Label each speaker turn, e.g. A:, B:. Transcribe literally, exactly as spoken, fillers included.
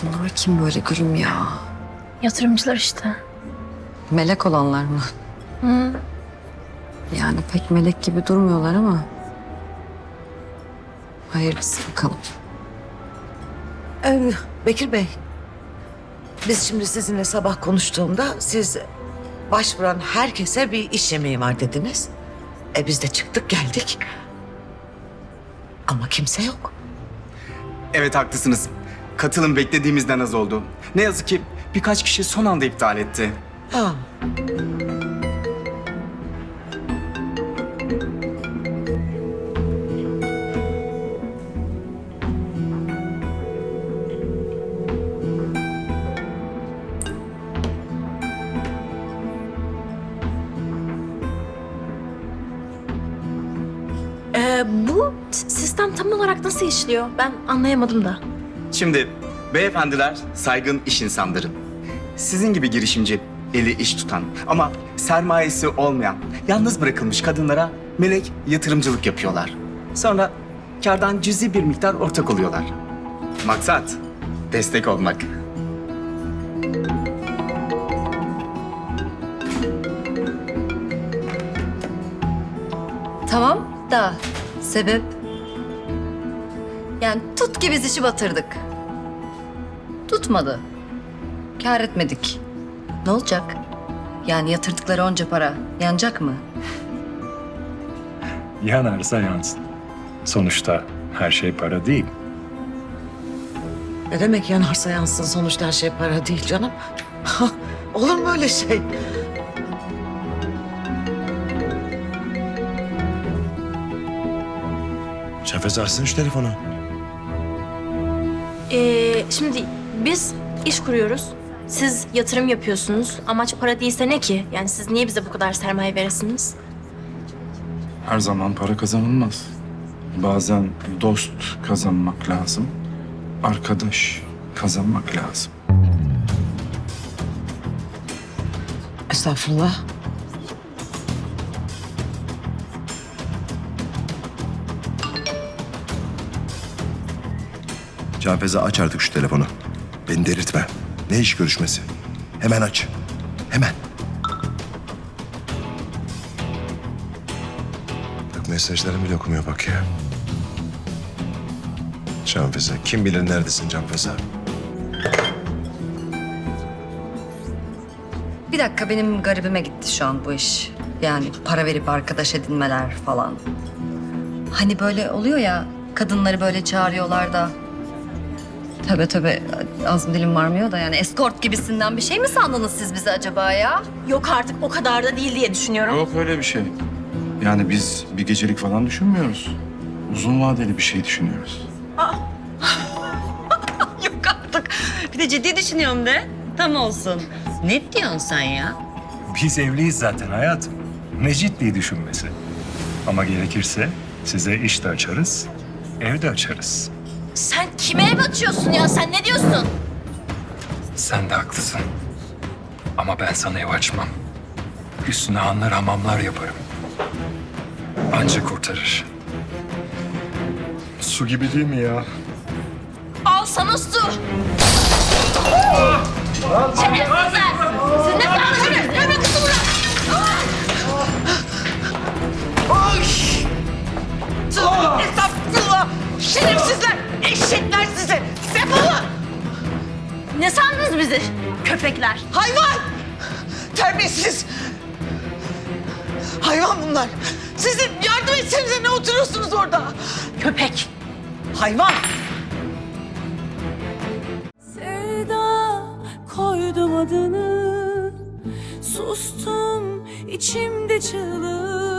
A: Bunlar kim böyle gülüm ya?
B: Yatırımcılar işte.
A: Melek olanlar mı?
B: Hı.
A: Yani pek melek gibi durmuyorlar ama. Hayırlısı bakalım.
C: Ee, Bekir Bey, biz şimdi sizinle sabah konuştuğumda siz başvuran herkese bir iş yemeği var dediniz. E biz de çıktık geldik. Ama kimse yok.
D: Evet haklısınız. Katılım beklediğimizden az oldu. Ne yazık ki birkaç kişi son anda iptal etti.
C: Ha.
B: Ee, bu s- sistem tam olarak nasıl işliyor? Ben anlayamadım da.
D: Şimdi beyefendiler saygın iş insanları. Sizin gibi girişimci, eli iş tutan ama sermayesi olmayan, yalnız bırakılmış kadınlara melek yatırımcılık yapıyorlar. Sonra kardan cüzi bir miktar ortak oluyorlar. Maksat destek olmak.
A: Tamam da sebep? Yani tut ki biz işi batırdık. Tutmadı. Kâr etmedik. Ne olacak? Yani yatırdıkları onca para yanacak mı?
E: Yanarsa yansın. Sonuçta her şey para değil.
C: Ne demek yanarsa yansın, sonuçta her şey para değil canım. Olur mu öyle şey?
F: Şafez açsın şu telefonu.
B: Ee, şimdi biz iş kuruyoruz. Siz yatırım yapıyorsunuz. Amaç para değilse ne ki? Yani siz niye bize bu kadar sermaye veresiniz?
G: Her zaman para kazanılmaz. Bazen dost kazanmak lazım. Arkadaş kazanmak lazım.
C: Estağfurullah.
F: Canfeze aç artık şu telefonu. Beni delirtme. Ne iş görüşmesi? Hemen aç. Hemen. Bak mesajlarımı bile okumuyor bak ya. Canfeze. Kim bilir neredesin Canfeze?
A: Bir dakika benim garibime gitti şu an bu iş. Yani para verip arkadaş edinmeler falan. Hani böyle oluyor ya kadınları böyle çağırıyorlar da. Tövbe tövbe ağzım dilim varmıyor da yani eskort gibisinden bir şey mi sandınız siz bizi acaba ya?
B: Yok artık o kadar da değil diye düşünüyorum.
G: Yok öyle bir şey. Yani biz bir gecelik falan düşünmüyoruz. Uzun vadeli bir şey düşünüyoruz.
A: Yok artık. Bir de ciddi düşünüyorum de. Tam olsun. Ne diyorsun sen ya?
E: Biz evliyiz zaten hayatım. Ne ciddi düşünmesi. Ama gerekirse size iş de açarız, ev de açarız.
B: Sen kime ev açıyorsun ya? Sen ne diyorsun?
E: Sen de haklısın. Ama ben sana ev açmam. Üstüne hanlar hamamlar yaparım. Anca kurtarır. Su gibi değil mi ya?
B: Al sana su. Şerefsizler! Siz ne sandınız? Öbür kızı bırak!
C: Estağfurullah! Şerefsizler! Eşekler size! Defolun!
B: Ne sandınız bizi? Köpekler.
C: Hayvan! Terbiyesiz! Hayvan bunlar! Sizin yardım etsenize, ne oturuyorsunuz orada?
B: Köpek.
C: Hayvan!
H: Sevda koydum adını, sustum içimde çığlık.